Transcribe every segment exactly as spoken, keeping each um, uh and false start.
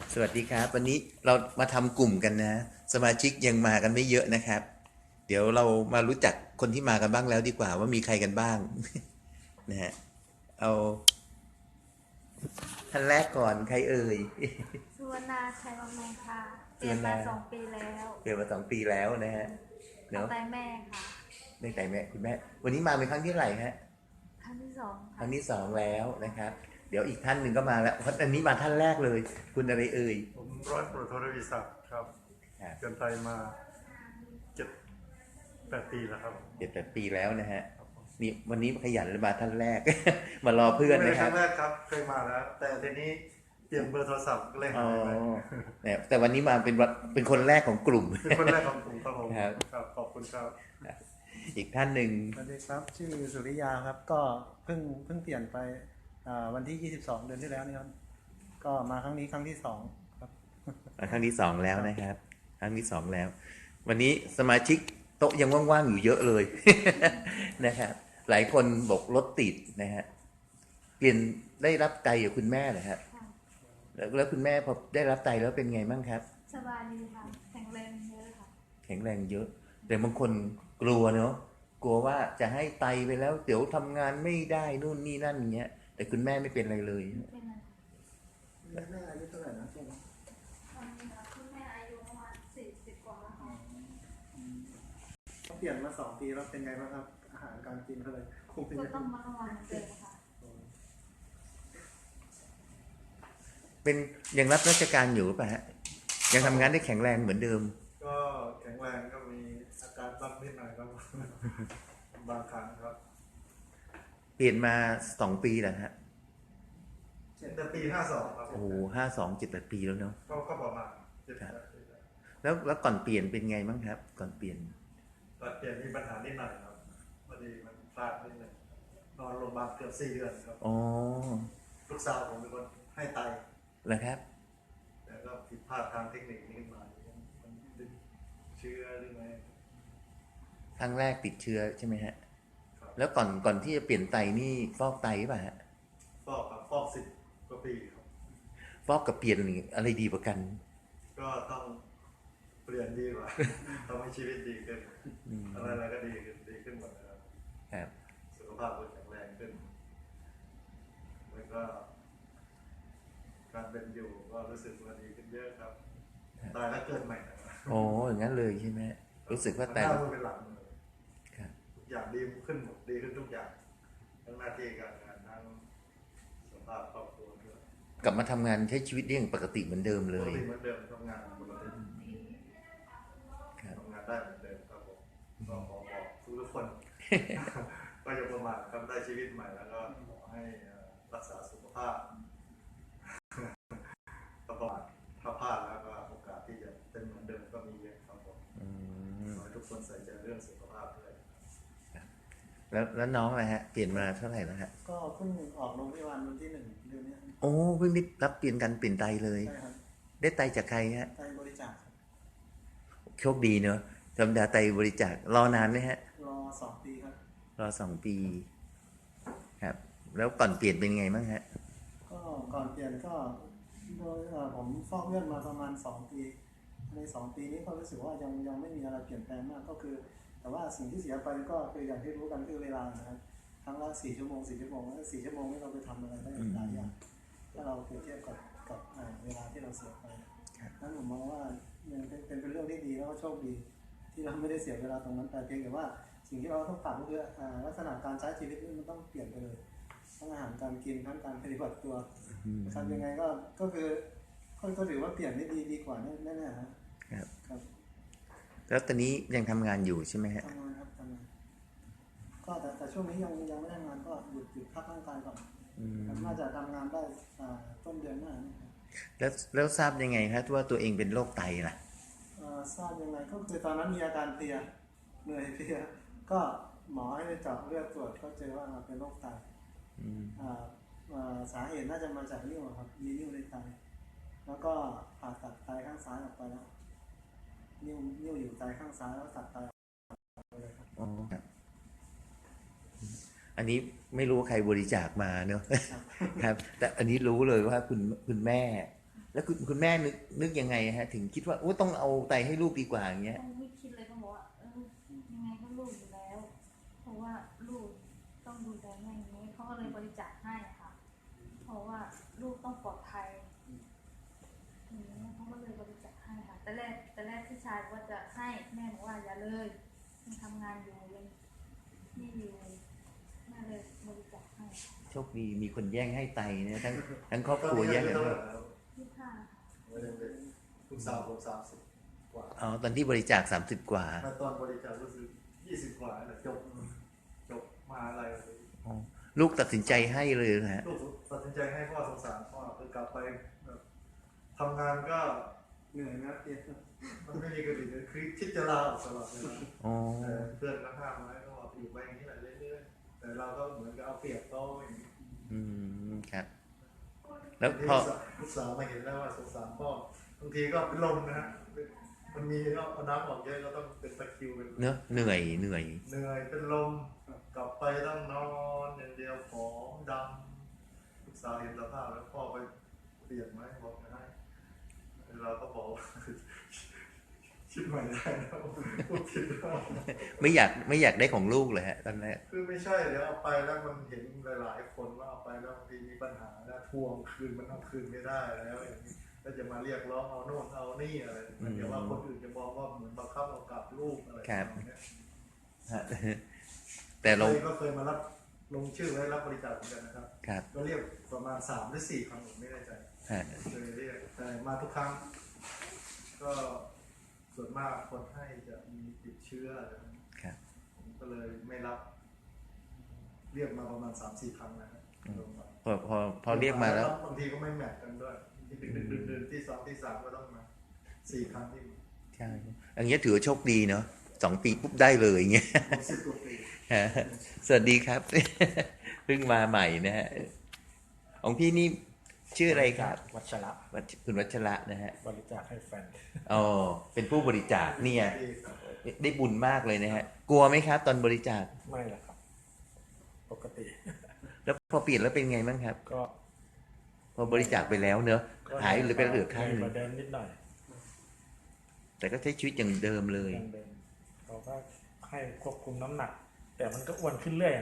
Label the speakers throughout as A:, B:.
A: สวัสดีครับวันนี้เรามาทำกลุ่มกันนะสมาชิกยังมากันไม่เยอะนะครับ เดี๋ยวเรามารู้จักคนที่มากันบ้างแล้วดีกว่าว่ามีใครกันบ้าง นะฮะเอาท่านแรกก่อนใครเอ่ย
B: สุวรรณาชัยวังนงค่ะเป
A: สุวรรณา
B: ลี่ยนมาสองปีแล้ว
A: เกิดมาสองปีแล้วนะฮะ
B: ขอ
A: เนาะ
B: งไตแม่ค่ะ
A: ได้แต่แม่คุณแม่วันนี้มาเป็นครั้งที่เท่าไหร่ฮะ
B: ครั้งที่สอง
A: ค
B: ค่ะ
A: รั้งที่สองแล้วนะครับ เดี๋ยวอีกท่านหนึ่งก็มาแล้วเพราะอันนี้มาท่านแรกเลย คุณอะไรเอ่ย
C: ผมร้อยตำรวจโทรวิศักดิ์ครับ
A: ครับ
C: เกินไทยมาเจ็ดแปดปีแล้วครับ
A: เจ็ดแปดปีแล้วนะฮะนี่วันนี้ขยันเลยมาท่านแรก มารอเพื่อน
C: ไม่
A: นะ
C: ใช่
A: ค
C: ค
A: รั
C: รั้
A: บ
C: งแรกครับเคยมาแล้ว แต่ทีนี้เปลี่ยนเบอร์โทรศัพท์ก็เลย
A: อ๋อ
C: หายไป
A: เนี่ยแต่วันนี้มาเป็นวันเป็นคนแรกของกลุ่ม
C: เป็นคนแรกของผมครับผม
A: ครับ
C: ครับขอบคุณครับ
A: อีกท่านหนึ่ง
D: สวัสดีครับชื่อสุริยาครับก็เพิ่งเพิ่งเปลี่ยนไปอ่าวันที่ยี่สิบสองเดือนที่แล้วนี่ครับก็มาครั้งนี้ครั้งที่สองครับ
A: มาครั้งที่สองแล้วนะครับ ครั้งที่สองแล้ว วันนี้สมาชิกโต๊ะยังว่างๆอยู่เยอะเลย นะครับหลายคนบอกรถติดนะฮะเปลี่ยนได้รับไตจากคุณแม่เหรอครับ
B: ค่ะ
A: แล้วแล้วคุณแม่พอได้รับไตแล้วเป็นไงบ้างครับ
B: สบายดีค่ะแข็งแรงเยอะค่ะ
A: แข็งแรงเยอะ แต่บางคนกลัวเนาะกลัวว่าจะให้ไตไปแล้วเดี๋ยวทำงานไม่ได้นู่นนี่นั่นอย่างเงี้ย แต่คุณแม่ไม่เป็นอะไรเลย
B: เป็นอะไร
D: แม่แม่อายุเท่าไหร่นะช่วงนี้
B: ตอนนี้ค่ะคุณแม่อายุประมาณสี่สิบกว่าแล้วค่ะ
D: เปลี่ยนมาสองปีแล้วเป็นไงบ้างครับอาหารการกินเขาเลยคงเป็น
B: ก็
D: ยังไง
B: ต้องมาทำงานเหมือนเดิมค่ะ
A: เป็นยังรับราชการอยู่หรือเปล่ะฮะยังทำงานได้แข็งแรงเหมือนเดิม
C: ก็แข็งแรงก็มีอาการบ้างนิดหน่อยครับ บางครั้งครับ
A: เปลี่ยนมาสองปีแล้วฮะ
C: แต่ปีห้าสองครับ
A: โอ้ห้าสองเจ็ดแปดปีแล้วเนาะ
C: ก็ก็ประมาณเจ็ดแปดปีแล้ว
A: แล้วแล้วก่อนเปลี่ยนเป็นไงบ้างครับ ก่อนเปลี่ยน
C: ตอนเปลี่ยนมีปัญหานิดหน่อยครับพอดีมันพลาดนิดหนึ่งนอนโรงพยาบาลเกือบสี่เดือนครับ
A: อ๋อ
C: ลูกสาวผมเป็นคนให้ไต
A: แล้วครับ
C: แต่ก็ผิดพลาดทางเทคนิคนิดหน่อยมันติดเชื้อหรือไง
A: ครั้งแรกติดเชื้อใช่ไหมฮะ
C: ครับ
A: แล้วก่อนก่อนที่จะเปลี่ยนไตนี่ฟอกไตหรือเปล่าฮะ
C: ฟอกครับฟอกสิบกว่าปีครับ
A: ฟอกกับเปลี่ยนนี่อะไรดีกว่ากัน
C: ก็ต้องเปลี่ยนดีกว่า ทำให้ชีวิตดีขึ้น
A: อืม
C: อะไรอะไรก็ดีขึ้นดีขึ้นหมดนะครับ
A: ครับ
C: สุขภาพก็แข็งแรงขึ้นแล้วก็ การเป็นอยู่ก็รู้สึกว่าดีขึ้นเยอะครับตายแล้วเกิดใหม่นะครับ
A: โอ้อย่างนั้นเลยใช่ไหมรู้สึกว่าไต
C: หน้ามือเป็นหลังมือ
A: ครับ
C: ทุกอย่างดีขึ้นหมดดีขึ้นทุกอย่างทั้งหน้าที่การงานทั้งสุขภาพครอบครัวด้วย
A: กลับมาทำงานใช้ชีวิตได้อย่างปกติเหมือนเดิมเล
C: ปก
A: ย
C: ติเหมือนเดิมทำงานปกติ
A: ครับ
C: ทำงานได้เหมือนเดิมครับผมก็ขอบอกทุกทุกๆคน ก็อย่าประมาทครับได้ชีวิตใหม่แล้วก็ขอให้เอ่อรักษาสุขภาพ ก็ประมาทถ้าพลาดแล้วก็โอกาสที่จะเป็นเหมือนเดิมก็มีเยอะครับผม
A: อืม
C: ขอให้ทุกคนใส่ใจเรื่องสุขภาพด้วย
A: แล้วแล้วน้องอะไรฮะ เปลี่ยนมาเท่าไหร่แล้วฮะ
D: ก็เพิ่งออกโรงพยาบาลวันที่หนึ่งเดือนนี้ครับ
A: โอ้เพิ่งได้รับเปลี่ยนกันเปลี่ยนไตเลย
D: ใช่ครับ
A: ได้ไตจากใครฮะ
D: ไตบริจาคครับ
A: โชคดีเนอะธรรมดาไตบริจาครอนานไหมฮะ
D: รอสองปีครับ
A: รอสองปี ครับ แล้วก่อนเปลี่ยนเป็นไงบ้างฮะ
D: ก็ก่อนเปลี่ยนก็โดยเอ่อผมฟอกเลือดมาประมาณสองปีในสองปีนี้ก็รู้สึกว่ายังยังไม่มีอะไรเปลี่ยนแปลงมากก็คือ แต่ว่าสิ่งที่เสียไปก็คืออย่างที่รู้กันคือเวลานะครับครั้งละสี่ชั่วโมงสี่ชั่วโมงแล้วสี่ชั่วโมงนี้เราไปทำอะไรได้หลายอย่างถ้าเราเปรียบเทียบกับกับอ่าเวลาที่เราเสียไปนั้นผมมองว่ามันเป็นเป็นเป็นเรื่องที่ดีแล้วก็โชคดี ที่เราไม่ได้เสียเวลาตรงนั้นแต่เพียงแต่ว่าสิ่งที่เราต้องปรับก็คืออ่าลักษณะการใช้ชีวิตนี่มันต้องเปลี่ยนไปเลยทั้งอาหารการกินทั้งการปฏิบัติตัวทำยังไงก็ก็คือก็ก็ถือว่าเปลี่ยนได้ดีดีกว่าแน่ๆฮะ
A: ครับ
D: ครับ
A: แล้วตอนนี้ยังทำงานอยู่ใช่ไหมฮะ
D: ทำงานครับทำงานก็แต่แต่ช่วงนี้ยังยังไม่ได้งานก็หยุดหยุดพักร่างกายก่อน
A: อืม
D: น่าจะทำงานได้อ่าต้นเดือนหน้านี่ครับ
A: แล้วแล้วทราบยังไงครับว่าตัวเองเป็นโรคไตล่ะ
D: อ่าทราบยังไงก็คือตอนนั้นมีอาการเพลียเหนื่อยเพลียก็หมอให้ไปเจาะเลือดตรวจก็เจอว่าเป็นโรคไต
A: อืม
D: อ่าอ่าสาเหตุน่าจะมาจากนิ่วอะครับมีนิ่วในไตแล้วก็ผ่าตัดไตข้างซ้ายออกไปแล้วนิ่วนิ่วอยู่ไตข้างซ้ายแล้วตัดไตออกไปเลยครับ
A: อ๋อครับ อันนี้ไม่รู้ว่าใครบริจาคมาเนอะ ครับ แต่อันนี้รู้เลยว่าคุณคุณแม่แล้วคุณคุณแม่นึกนึกยังไงฮะ ถึงคิดว่าโอ้ต้องเอาไตให้ลูกดีกว่าอย่างเงี้ย
B: ต้องไม่คิดเลยต้องบอกว่าเออยังไงก็ลูกอยู่แล้ว เพราะว่าลูกต้องดูแลแม่อย่างนี้เขาก็เลยบริจาคให้ค่ะ เพราะว่าลูกต้องปลอดภัยอย่างนี้เขาก็เลยบริจาคให้ค่ะ แต่แรกแต่แรกพี่ชายบอกว่าจะให้แม่บอกว่าอย่าเลยยังทำงานอยู่ยังนี่อยู่แม่เลยบริจาคให้ค่ะ
A: โชคดีมีคนแย่งให้ไตเนี่ยทั้งทั้งครอบครัวแย่งกัน
C: เท่า
A: เล
C: ไหร่
A: ย
C: แล้ว
B: ที่ห้าค่ะ
C: ไม่ได้เป็นคุณสาวผมสามสิบกว่า
A: อ๋อตอนที่บริจาคสามสิบกว่า
C: มาตอนบริจาครู้สึกยี่สิบกว่าแหละจบจบมหาอะไรเลย
A: อ๋อลูกตัดสินใจให้เลยนะฮะ
C: ลูกตัดสินใจให้พ่อสงสารพ่อคือกลับไปแบบทำงานก็
D: เหนื่อยนะเพียร
C: มันไม่มีกระดิ่งเลยคือคิดจะลาออกตลอดเวลา
A: อ๋อ
C: แต่เพื่อนก็ห้ามไว้ก็บอกอยู่ไปอย่างนี้แหละเรื่อยๆแต่เราก็เหมือนกับเอาเปรียบเขาอย่างนี้
A: อืมครับ แล้วพ
C: พ
A: อ
C: ลูกสาวมาเห็นแล้วว่าสงสารพ่อบางทีก็เป็นลมนะฮะมันมีก็เอาน้ำออกเยอะก็ต้องเป็นตะคริวเป็น
A: เนอะเหนื่อยเหนื่อย
C: เหนื่อยเป็นลมกลับไปต้องนอนอย่างเดียวผอมดำลูกสาวเห็นสภาพแล้วพ่อไปเปลี่ยนไหมบอกไม่ได้เราก็บอกว่า คิดใหม่ได้แล้วพูดผิดแล้ว
A: ไม่อยากไม่อยากได้ของลูกเลยฮะตอนแรก
C: คือไม่ใช่เดี๋ยวเอาไปแล้วมันเห็นหลายๆคนว่าเอาไปแล้วบางทีมีปัญหาแล้วทวงคืนมันเอาคืนไม่ได้แล้วอย่างนี้ก็จะมาเรียกร้องเอาโน่นเอานี่อะไรเดี๋ยวว่าคนอื่นจะมองว่าเหมือนบังคับเอากลับลูกอะไรแบบนี้
A: ฮะแต่เรา
C: เคยก็เคยมารับลงชื่อไว้รับบริจาคเหมือนกันนะครับ
A: ครับ
C: ก็เรียกประมาณสามหรือสี่ครั้งผมไม่แน่ใจ
A: ฮะ
C: เคยเรียกแต่มาทุกครั้ง ก็ส่วนมากคนให้จะมีติดเชื้ออะไรแบบนี้
A: ครับ
C: ผมก็เลยไม่รับ เรียกมาประมาณสามสี่ครั้งนะครับลงมา
A: พอพอพอเรียกมาแล้ว
C: บางทีก็ไม่แมทกันด้วยที่ดึกดึกดื่นๆที่สองที่สามก็ต้องมาสี่ครั้งที่มา
A: ใช่อย่างเงี้ยถือว่าโชคดีเนาะสองปีปุ๊บได้เลยอย่างเงี้ย
C: ผมสิบกว่าปี
A: ฮะสวัสดีครับ เพิ่งมาใหม่นะฮะของพี่นี่ชื่ออะไรครับ
E: วัชระ
A: วัชคุณวัชระนะฮะ
E: บริจาคให้แฟน
A: อ๋อเป็นผู้บริจาคเนี่ย
C: ปีครับ
A: ได้บุญมากเลยนะฮะ กลัวไหมครับ ตอนบริจาค
E: ไม่ละครับ ปกติ
A: แล้วพอเปลี่ยนแล้วเป็นไงบ้างครับ
E: ก็
A: พอบริจาคไปแล้วเนอะ
E: ก็
A: หายหรือเป็นเหลือข้างห
E: เห
A: นึ่
E: มื
A: ง
E: อนเดิมนิดหน่อย
A: แต่ก็ใช้ชีวิตอย่างเดิมเลย
E: ยังเดิมเราก็ให้ควบคุมน้ำหนัก แต่มันก็อ้วนขึ้นเรื่อย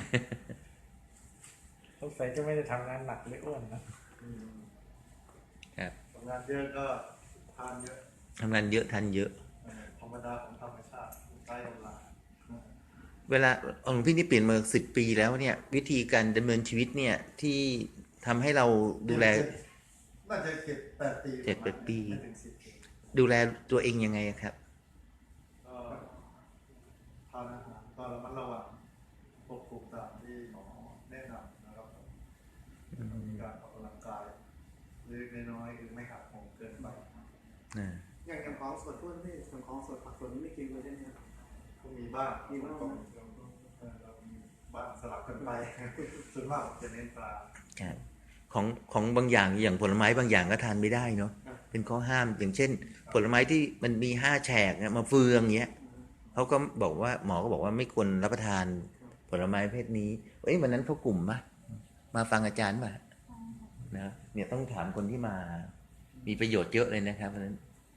E: สงสัยจะไม่ได้ทำงานหนักเลยอ้วนนะ
C: อืม
A: ครับ
C: ทำงานเยอะก็ทานเยอะ
A: ทำงานเยอะทันเยอะ
C: เออธรรมดาของธรรมชาติใต้ลมลา
A: เวลาของพี่นี่เปลี่ยนมาสิบปีแล้วเนี่ย วิธีการดำเนินชีวิตเนี่ยที่ทำให้เราดูแล
C: น่าจะเจ็ดแปดปี
A: เจ็ดแปดปี
C: ไม่ถึงสิบปี
A: ดูแลตัวเองยังไงครับ
C: ก็ทานอาหารก็ระมัดระวังควบคุมตามที่หมอแนะนำนะครับมีการออกกำลังกายเล็กๆน้อยๆคือไม่หักโหมเกินไป
A: อ่า
D: อย่างอย่างของสดพวกนี้อย่างของสดผักสดนี่ไม่กินเลยใช่ไหมครับ
C: ก็มีบ้าง
D: มีบ้าง
C: ก็เออเรามีบ้างสลับกันไป ส่วนมากผมจะเน้นปลา
A: ครับของของบางอย่างอย่างผลไม้บางอย่างก็ทานไม่ได้เนาะ
D: อ่ะ
A: เป็นข้อห้ามอย่างเช่น ผลไม้ที่มันมีห้าแฉกเนี่ยมาเฟืองเงี้ยเขาก็บอกว่าหมอก็บอกว่าไม่ควรรับประทานผลไม้ประเพศนี้เอ้ยวันนั้นเขากลุ่มปะมาฟังอาจารย์ป่ะนะเนี่ยต้องถามคนที่มา มีประโยชน์เยอะเลยนะครับวันนั้น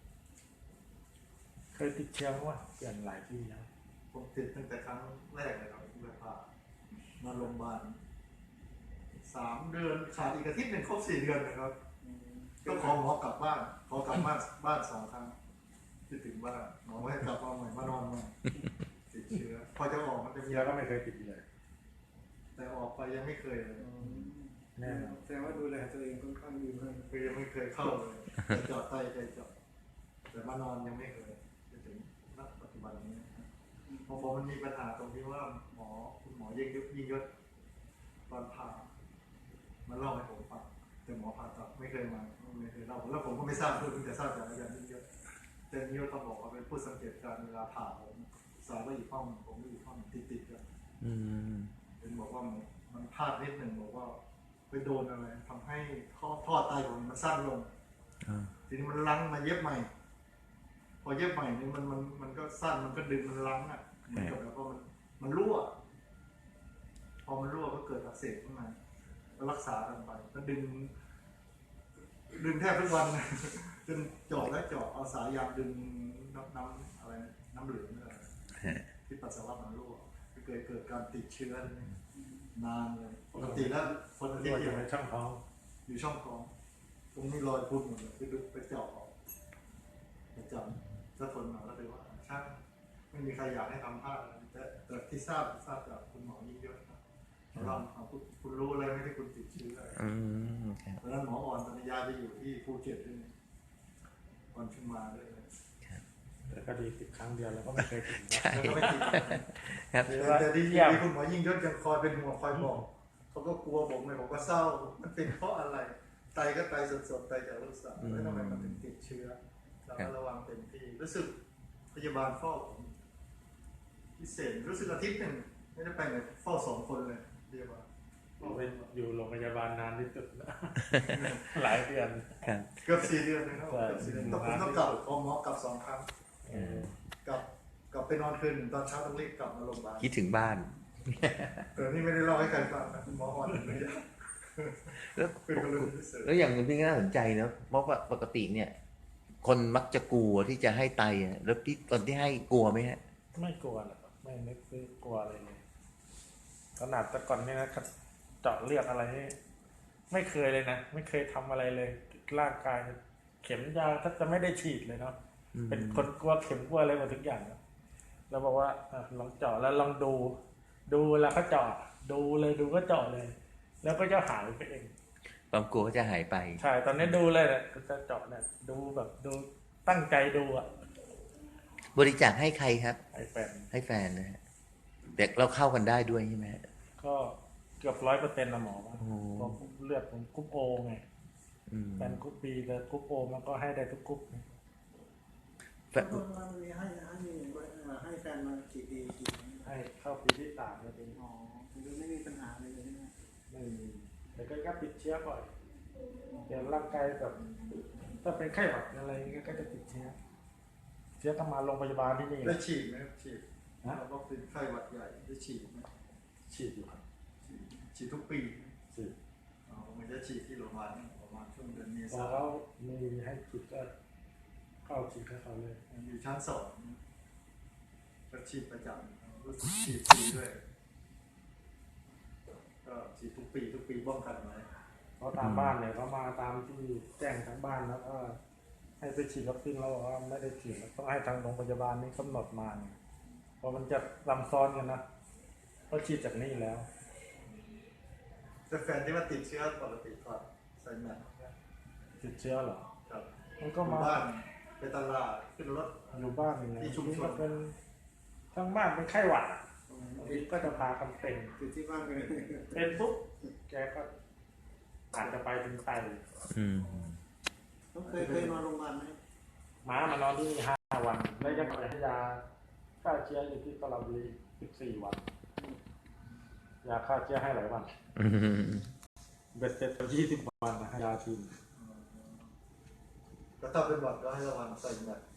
E: เคยติดเชื้อว่าเปลี่ยนหลายที่แล้ว
C: ผมติดตั้งแต่ครั้งแรกเลยครับที่ไปผ่ามาโรงพยาบาลสามเดือนขาดอีกอาทิตย์หนึ่งครบสี่เดือนนะครับ ก็ขอหมอกลับบ้านขอกลับบ้านบ้านสองครั้งที่ถึงบ้านหมอให้กลับมาใหม่มานอนใหม่ติดเชื้อพอจะออกมันจะมี
E: เชื้อก็ไม่เคยติดเลย
C: แต่ออกไปยังไม่เคยเลย
E: แน่นอน
D: แสดงว่าดูแลตัวเองค่อนข้างดีมาก
C: คือยังไม่เคยเข้าเลยแต่เจาะไตใจเจาะแต่มานอนยังไม่เคยจนถึงณปัจจุบันนี้พอผมมันมีปัญหาตรงที่ว่าหมอคุณหมอยิ่งยศยิ่งยศตอนผ่ามันเล่าให้ผมฟังแต่หมอผ่าตัดไม่เคยมาไม่เคยเล่าแล้วผมก็ไม่ทราบเพิ่งจะทราบจากอาจารย์ยิ่งยศแต่ยิ่งยศเขาบอกว่าเป็นผู้สังเกตการณ์เวลาผ่าผมสาวก็อยู่ห้องผมก็อยู่ห้องติดติดๆกัน
A: อืม
C: เป็นบอกว่ามันมันพลาดนิดหนึ่งบอกว่าไปโดนอะไรทำให้ท่อท่อไตผมมันสั้นลง
A: อ่า
C: ทีนี้มันลังมาเย็บใหม่ พอเย็บใหม่นี่มันมันมันก็สั้นมันก็ดึงมันลังอ่ะเหมือนกับแล้วก็มันมันรั่ว พอมันรั่วก็เกิดอักเสบขึ้นมาก็รักษากันไปก็ดึง ดดึงแทบทุกวันนะจนเจาะและเจาะเอาสายยางดึงน้ำน้ำอะไรนะน้ำเหลืองอะไรที่ปัสสาวะมันรั่วก็เกิดเกิดการติดเชื้อนานเลยปกติแล้วคนที่
E: รั่วอ
C: เกี่ย
E: ยู่
C: ว
E: ในช่องท้อง
C: อยู่ช่องท้องตรงนี้รอยพุ่นหมดเลยไปดูไปเจาะออกไปจำก็ทนมาแล้วเลยว่าช่างไม่มีใครอยากให้ทำพลาดแต่แต่ที่ทราบทราบจากคุณหมอยิ่งยศนะเราคุณคุณรู้อะไรไม่ได้คุณติดเชื้อ
A: อืมครับ
C: ตอนนั้นหมออ่อนปัญญาไปอยู่ที่ภูเก็ตด้วยก่อนขึ้นมาด้วย
E: แต่ก็ดีติดครั้งเดียวแล้วก็ไม่เคยติดนะ
A: ใช่
C: แล้วก็ไม่ติด
A: ครับ
E: หรือว่า
C: แต่ที่
E: เยี่ยม
C: ที่คุณหมอยิ่งยศยังคอยเป็นห่วงคอยบอกเขาก็กลัวผมเลยผมก็เศร้ามันเป็นเพราะอะไรไตก็ไตสดๆไตจากลูกสาวแล้วทำไมมันถึงติดเชื้อเราก็ระวังเต็มที่รู้สึกพยาบาลเฝ้าผมพิเศษรู้สึกอาทิตย์หนึ่งไม่ได้ไปไหนเฝ้าสองคนเลยพยาบาล
E: เป็นอยู่โรงพยาบาลนานที่สุดนะ หลายเดือน
A: ครับ
C: เกือบสี่เดือนเลยครับเกือบสี่เดือนต้องผมต้องกลับพอหมอกลับสองครั้ง
E: เออก
C: ลับกลับไปนอนคืนหนึ่งตอนเช้าต้องรีบกลับมาโรงพยาบาล
A: คิดถึงบ้าน
C: แต่นี่ไม่ได้เล่าให้ใครฟังนะหมออ่อนเลย
A: แล้ว
C: เป็นกรณีพิเศษ
A: แล้วอย่างหนึงที่น่าสนใจนะเพราะว่าปกติเนี่ย คนมักจะกลัวที่จะให้ไตอะแล้วพี่ตอนที่ให้กลัวไหมฮะ
E: ไม่กลัวหรอกครับไม่นึกซื้อกลัวอะไรเลยขนาดแต่ก่อนเนี่ยนะเจาะเลือดอะไรนี่ไม่เคยเลยนะไม่เคยทำอะไรเลยร่างกายเข็มยาถ้าจะไม่ได้ฉีดเลยเนาะ
A: อืม
E: เป็นคนกลัวเข็มกลัวอะไรหมดทุกอย่างนะเราบอกว่าอ่ะลองเจาะแล้วลองดู ดูแล้วก็เจาะดูเลยดูก็เจาะเลย แล้วก็จะหายไปเอง
A: ความกลัวก็จะหายไป
E: ใช่ตอนนี้ดูเลยเนี่ยก็จะเจาะเนี่ยดูแบบดูตั้งใจดูอ่ะ
A: บริจาคให้ใครครับ
E: ไอ้แฟน
A: ให้แฟนนะฮะแต่เราเข้ากันได้ด้วยใช่ไหมฮะ
E: ก็เกือบร้อยเปอร์เซ็นต์นะหมอว่า
A: โอ้
E: เพราะเลือดผมกรุ๊ปโอไง
A: อืม
E: แฟนกรุ๊ปบีแต่กรุ๊ปโอมันก็ให้ได้ทุกกรุ๊ปนะ
A: แฟน
D: ต้นมันมีให้ให้ให้แฟนมากี่ปีกี่ปี
E: ให้เข้าปีที่สามแล้วเป็น
D: อ๋อคือไม่มีปัญหาเลยใช่ไหม
E: ไม่มีแต่ก็ยับติดเชื้อบ่อยเดี๋ยวร่างกายแบบถ้าเป็นไข้หวัดอะไรเงี้ยก็จะติดเชื้อเชื้อต้องมาโรงพยาบาลที่นี่
C: ได้ฉีดไหมครับฉีด
E: นะ
C: เราก็เป็นไข้หวัดใหญ่ได้ฉีดไหม
E: ฉีดอยู่ครับ
C: ฉีดฉีดทุกปี
E: ฉีด
C: อ๋อมันจะฉีดที่โรงพยาบาลประมาณช่วงเดือนเม
E: พอ
C: ษา
E: เขามีให้ฉีดก็เข้าฉีดให้เขาเลย
C: อยู่ชั้นสองก็ฉีดประจำรู้สึกฉีดฟรีด้วยก็ฉีดทุกปีทุกปีป้องกันไว้
E: เพราะตามบ้านเนี่ยเขามาตามที่แจ้งทางบ้านแล้วก็ให้ไปฉีดวัคซีนเราบอกว่าไม่ได้ฉีดต้องให้ทางโรงพยาบาลนี้กำหนดมาเนี่ยเพราะมันจะลำซ้อนกันนะเพราะฉีดจากนี่แล้ว
C: แต่แฟนที่ว่าติดเชื้อปกติก่อนใส่แมส
E: ติดเชื้อเหรอ
C: ครับ
E: มันก็มา
C: อยู่บ้านไปตลาดขึ้นรถ
E: อยู่บ้านนี่นะ
C: ที่ชุมชน
E: ก็เป็นทั้งบ้านเป็นไข้หวัดอะบางทีก็จะพากันเป็น
D: ติดที่บ้านเลย
E: เป็นปุ๊บแกก็อาจจะไปถึงไต
A: อืม
D: ต้องเคยเคยนอนโรงพยาบาลไหม
E: หมามานอนที่นี่ห้าวันแล้วยังให้ยาฆ่าเชื้ออยู่ที่ตลาดบุรีสิบสี่วันยาฆ่าเชื้อให้หลายวัน
A: อืม
E: เบ็ดเสร็จยี่สิบวันนะยาทีม
C: ก็ถ้าเป็นหวัดก็ให้ระวังใส่แมส